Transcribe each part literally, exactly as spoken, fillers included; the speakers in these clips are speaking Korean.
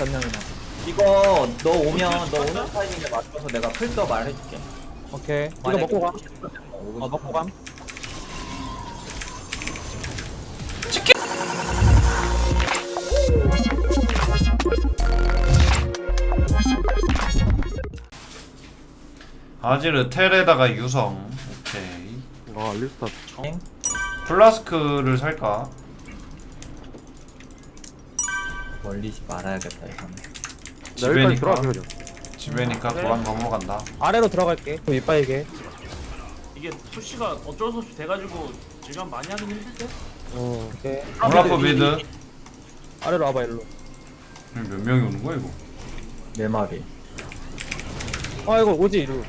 전령이나. 이거 너 오면 너 오는 타이밍에 맞춰서 내가 풀서 말해줄게. 오케이. 이거 만약에 먹고 가. 오고 싶으면 오고 어, 먹고 감. 아지르 텔에다가 유성. 오케이. 아 리스타 싶으면. 플라스크를 살까? 멀리지 말아야겠다 이거는. 여기까지 집에니까 들어가 그냥. 집에니까 도망 넘어간다. 아래로 들어갈게. 그럼 이빠이게. 이게 푸시가 어쩔 수 없이 돼가지고 지금 많이 하긴 힘들 때? 어 오케이. 올라프 미드. 아래로 와봐 일로. 몇 명이 오는 거야 이거? 네 마리. 아 이거 오지 이루.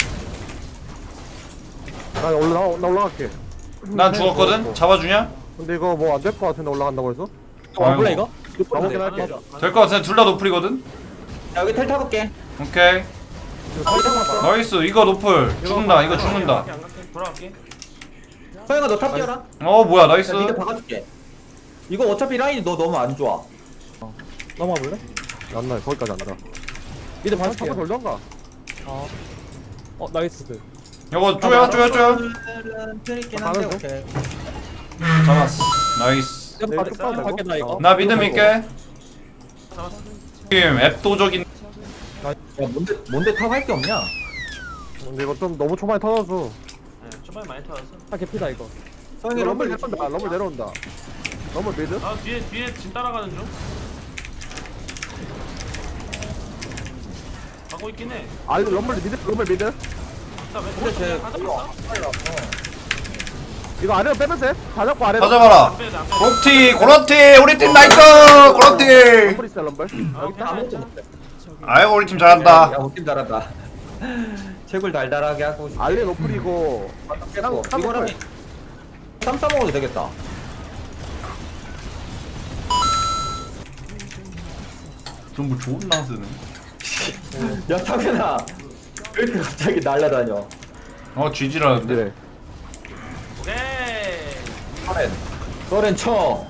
나 올라 나 올라갈게. 난 죽었거든. 잡아주냐? 근데 이거 뭐 안 될 것 같은데 올라간다고 해서? 와볼래 이거? 가보긴 할게. 될 것 같은데 둘 다 노플이거든. 야 여기 텔 타볼게. 오케이. 나이스. 이거 노플 죽는다. 이거 죽는다. 안 갈게, 돌아갈게. 소영아 너 탑 뛰어라. 어 뭐야 나이스. 야 니가 박아줄게. 이거 어차피 라인이 너 너무 안 좋아. 넘어와 볼래? 안 나. 거기까지 안 나. 미드 한번 봐줄게. 돌던가. 어. 어 나이스. 이거 쪼여 쪼여 쪼여. 틀있긴 한데 가는 오케이. 잡았어. 나이스. 좀 네, 빠- 쭉 좀 가면 갈게 나 이거. 나 믿음 있게. 잡았어. 지금 앱도적인. 야 뭔데 뭔데 탑 할 게 없냐? 근데 이거 좀 너무 초반에 터져서. 네, 초반에 많이 터졌어. 아 개피다 이거. 소영이 럼블 럼블 내려온다. 럼블 내려온다. 럼블 미드? 아 뒤에 뒤에 진 따라가는 중. 가고 있긴 해. 아 럼블 미드? 럼블 미드? 나 왜? 근데 쟤 다 이거 잡았어? 이거 아래로 빼면 돼? 다 잡고 아래로. 다 잡아라. 안 빼도 안 빼도. 고티 고로티 우리 팀 나이스 고로티. 럼블 있어 럼블. 아, 여기 다 아무것도 괜찮아. 못해. 아이고 우리 팀 잘한다. 야 우팀 잘한다. 채굴 달달하게 하고 있어. 알리 노플이고. 깼고. 삼- 이거랑 쌈 싸먹어도 되겠다. 전부 좋은 나스네. 야 타근아 왜 이렇게 갑자기 날라다녀? 어 쥐지라는데. 그래. 오케이. 소렌 소렌 쳐.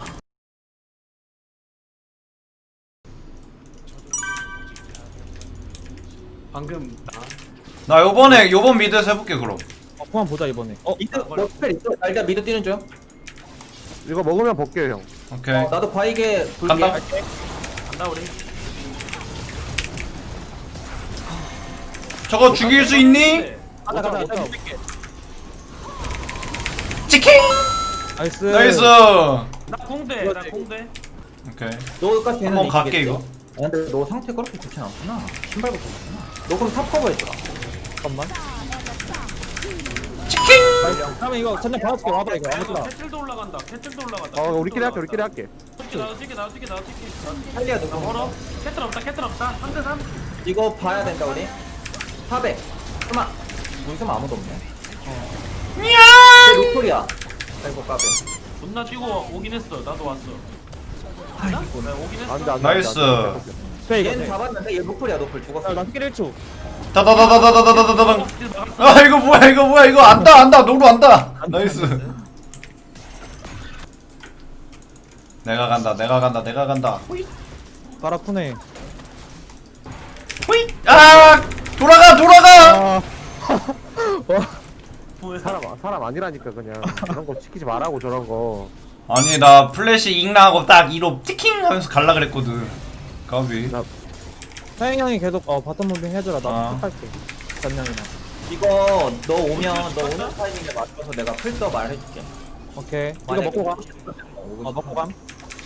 방금 나. 나 요번에 요번 미드에서 해볼게 그럼. 어 그만 보자 이번에. 어 미드 너 스펠 있어? 나 일단 미드 뛰는 중. 이거 먹으면 볼게 형. 오케이. 어, 나도 바이게 불게. 간다. 간다 우리. 저거 죽일 수 있니? 네. 가자 가자. 가자. 치킨. 나이스. 나이스. 나 공대. 나 공대. 오케이. 너까지 한번 갈게, 이거. 아, 근데 너 상태 그렇게 좋진 않구나. 신발부터 좋구나. 너 그럼 탑 커버해주라. 잠깐만. 치킨. 그러면 이거 전령 받아줄게. 와봐 이거. 아무튼. 캐틀도 올라간다. 캐틀도 올라간다. 어 우리끼리 할게 우리끼리 할게. 나도 튀게 나도 튀게 나도 튀게. 할리야 나 너 걸어. 캐틀 없다. 캐틀 없다. 삼 대 삼. 이거 봐야 된다 우리. 탑에 스마. 우리 스마 아무도 없네. 쟤 로컬이야. 아이고 까비. 존나 뛰고 오긴 했어. 나도 왔어. 아이고 나 오긴 했어. 안돼 안돼. 나이스. 돼 이거. 얘는 돼. 잡았는데 얘 로컬이야 로컬 죽었어. 나 스킬 일 초. 다다다다다다다다다. 아 이거 뭐야 이거 뭐야 이거 안다 안다 노루 안다. 나이스. 내가 간다 내가 간다 내가 간다. 발 아프네. 호이. 아 돌아가 돌아가. 아. 사람 사람 아니라니까 그냥 그런 거 시키지 말라고 저런 거. 아니 나 플래시 잉나하고 딱 이로 티킹 하면서 갈라 그랬거든. 까비. 나- 사영 형이 계속 어 바텀 무빙 해줘라. 나 아. 탑할게. 전령이나. 이거 너 오면 너 오는 타이밍에 맞춰서 내가 풀서 말해줄게. 오케이. 이거 만약에 먹고 가. 오고 싶으면 오고 어 먹고 감.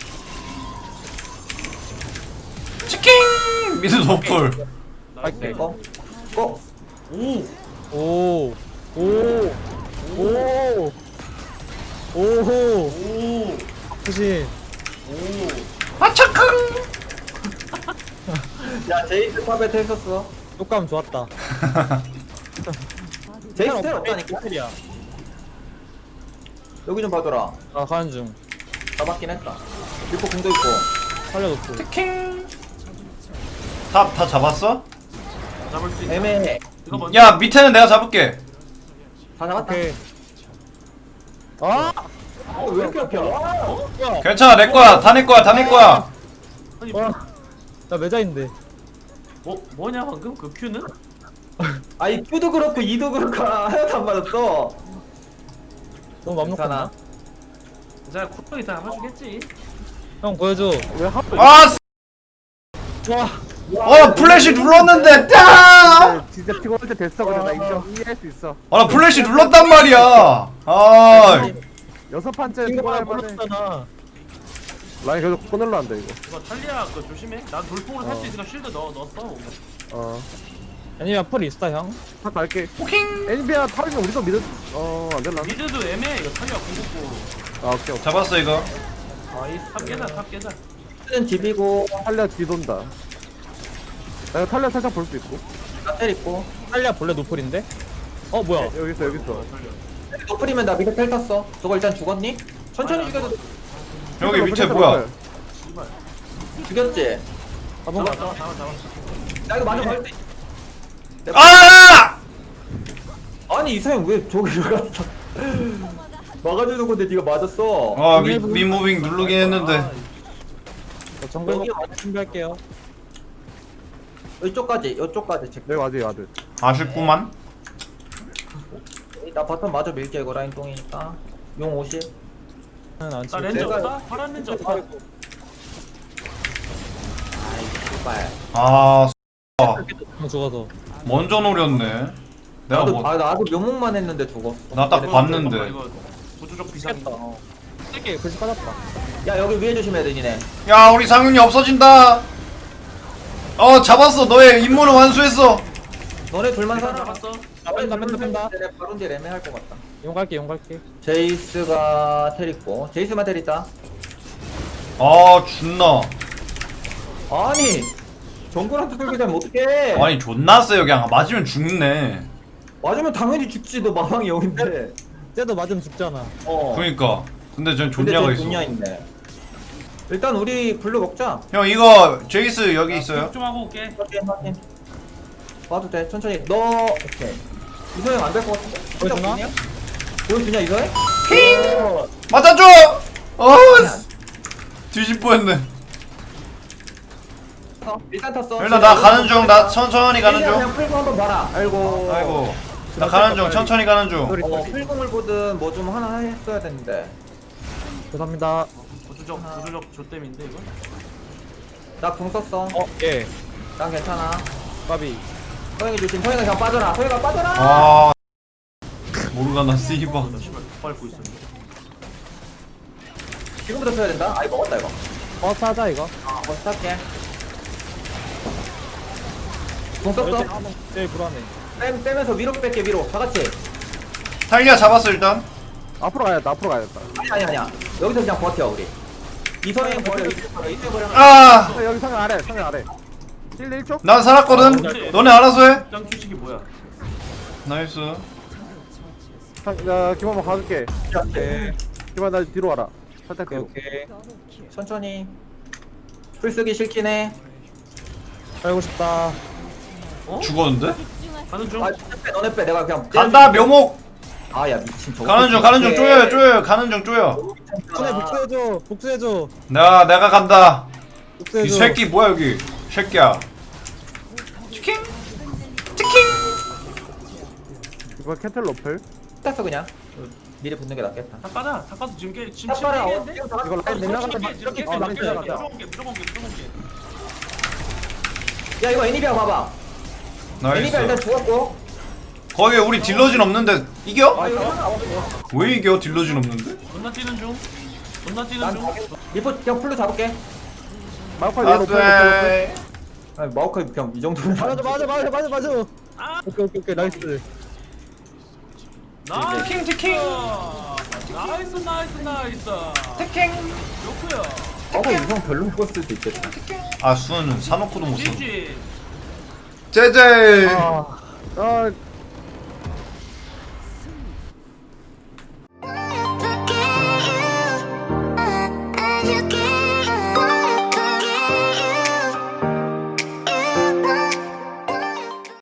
치킨. 미드 노플. 나이스. 싶으면. 이거 고. 오. 오. 오. 오. 오호. 오. 푸신. 오. 아차캉. 야 제이스 탑에 텔 썼어. 효과음 좋았다. 제이스 텔 없다니까. 텔이야. 여기 좀 봐줘라. 아 가는 중. 잡았긴 했다. 리포 공도 있고. 살려놓고. 치킨. 탑다 잡았어? 잡을 수 있다. 애매해. 이거 먼저. 야 밑에는 내가 잡을게. 다 잡았다. 오케이. 아. 어, 왜 이렇게 약해? 야. 괜찮아 내 거야 다 내 거야 다 내 거야. 아니 와. 나 매자인데. 어 뭐냐 방금 그 큐는? 아이 Q도 그렇고 E도 그렇고 하나도 안 맞았어. 너무 맘 놓고 괜찮아. 나. 자 쿠팡이 다 해주겠지. 형 보여줘. 왜 하필 아, 쓰- 와. 어 플래시 눌렀는데 딱. 진짜 피곤할 때 됐어 그냥 나 인정 이해할 수 있어. 아, 나 플래시 눌렀단 말이야. 아, 여섯 판째 이거 피곤할 만해. 몰랐잖아. 라인 계속 끊을라 한다 이거. 이거 탈리아 그 조심해. 난 돌풍으로 살 수 있으니까 쉴드 넣어 넣었어. 어. 아니면 풀 있어 형. 탁 갈게. 포킹. 엔비아 타이밍 우리도 믿어. 어안 될라. 미드도 애매해. 이거 탈리아 궁극고. 아 오케이 오케이. 잡았어 이거. 아이 탑 깨자 탑 깨자. Q는 집이고 탈리아 뒤돈다. 나 이거 탈리아 살짝 볼 수 있고. 나텔 있고. 탈리아 본래 노플인데? 어 뭐야? 여기 있어 여기 있어. 노플이면 나 미드 텔 탔어. 저거 일단 죽었니? 천천히 죽여도 돼. 여기 밑에 뭐야? 씨발. 죽였지? 아 뭔가 잡았어 잡았어 잡았어. 나 이거 맞아 볼 수 있어. 아! 아니 이사형 왜 저기로 갔어? 막아주는 건데 네가 맞았어. 아, 미, 미무빙 누르긴 했는데. 저 정글 먹고 준비할게요. 이쪽까지 이쪽까지 체크. 여기 와드 와드. 아쉽구만. 나 바텀 마저 밀게 이거 라인 똥이니까. 용 오십. 안 나 치고. 렌즈 내가- 없다? 파란 렌즈 없다? 아이 씨발. 아, 형 죽어서. 먼저 노렸네. 내가 나도 뭐, 아 나도 묘목만 했는데 죽었어. 나 딱 그래. 봤는데. 이거 구조적 비상이다. 어. 세게 글씨 빠졌다. 야 여기 위에 조심해야 돼 니네. 야, 우리 상윤이 없어진다. 어, 잡았어. 너의 임무를 완수했어. 너네 둘만 살아. 잡았어. 아 뺀다 뺀다 뺀다. 바론 딜 애매할 것 같다. 용 갈게 용 갈게. 제이스가 텔 있고 제이스만 텔 있다. 아, 존나. 아니 정글한테 들기 되면 어떡해. 아니, 존나 세요. 그냥 맞으면 죽네. 맞으면 당연히 죽지. 너 마망이 영인데. 쟤도 맞으면 죽잖아. 어. 그니까. 근데 전 근데 존냐가 쟤 있어. 존냐 있네. 일단 우리 블루 먹자. 형, 이거 제이스 여기 있어요. 좀 하고 올게. 확인 확인. 봐도 돼. 천천히. 너 오케이. 이소영 안 될 것 같은데. 보여주나? 보여주냐 이소영? 맞아줘. 어, 뒤집 뻔했네. 어, 일단 탔어. 일단 나 가는 중. 나 천천히 가는 그냥 중. 풀공 한번 봐라. 아이고. 아이고. 나 가는 중. 천천히 가는 중. 어 풀공을 보든 뭐 좀 하나 했어야 되는데. 죄송합니다. 구조적 구조적 조땜인데 이거? 나 궁 썼어. 어 예. 난 괜찮아. 까비. 소영이 조심. 소영아 그냥 빠져라. 소영아 빠져라. 아, 모르가나 씨바. 나 씨발 밟고 있어. 지금부터 쳐야 된다. 아이 먹었다 이거. 어 사자 이거. 아, 먼저 할게. 궁 썼어. 제일 불안해. 뺨 빼면서 위로 뺄게 위로. 다 같이. 탈리아 잡았어 일단. 앞으로 가야겠다 앞으로 가야겠다. 아니 아니 아니야. 여기서 그냥 버텨 우리. 이소영 버려. 이소영 버려. 이소영 버려. 아, 어, 여기 상현 아래 상현 아래. 일 대 일 쪽? 난 살았거든. 너네 알아서 해. 짱 규칙이 뭐야? 나이스. 상, 야 김한번 가줄게. 오케이. 김한 나 뒤로 와라. 살짝 뒤로. 오케이. 천천히. 풀 쓰기 싫긴 해. 살고 싶다. 죽었는데? 가는 중. 아, 너네 빼, 너네 빼. 내가 그냥. 간다 묘목. 아, 야 미친. 저거 가는 중 가는 중 어떡해. 쪼여요 쪼여요 가는 중 쪼여. 손에 복수해줘. 복수해줘. 내가 내가 간다. 이 복수해줘. 새끼 뭐야 여기? 새끼야. 치킨 치킨. 이번 캐틀 로플. 땄어 그냥. 미리 붙는 게 낫겠다. 다 빠져. 다 빠져. 지금 깨 지금 탑 봐라. 어, 침체인데. 지금 다 이거 라인 내려간다. 이렇게 이렇게 어, 라인 무조건 내려간다. 깨 무조건 깨 무조건 깨 무조건 깨. 야 이거 애니비아 봐봐. 애니비아 일단 나이스. 죽었고. 거기 우리 딜러진 없는데 이겨? 아 이거 하나 없어. 왜 이겨 딜러진 없는데? 존나 뛰는 중. 존나 뛰는 난 중. 리포 그냥 풀로 잡을게. 마우파 위에 로플 로플 로플. 안돼. 아니 마우카이 그냥 이 정도면. 맞아 맞아 맞아 맞아 맞아. 아, 오케이 오케이 오케이 나이스. 나이스. 치킨 치킨. 나이스 나이스 나이스. 치킨. 좋고요. 마우카 이성 별로 죽었을 수도 있겠다. 아 수는 사놓고도 못 써. 지지. 제제. 아 아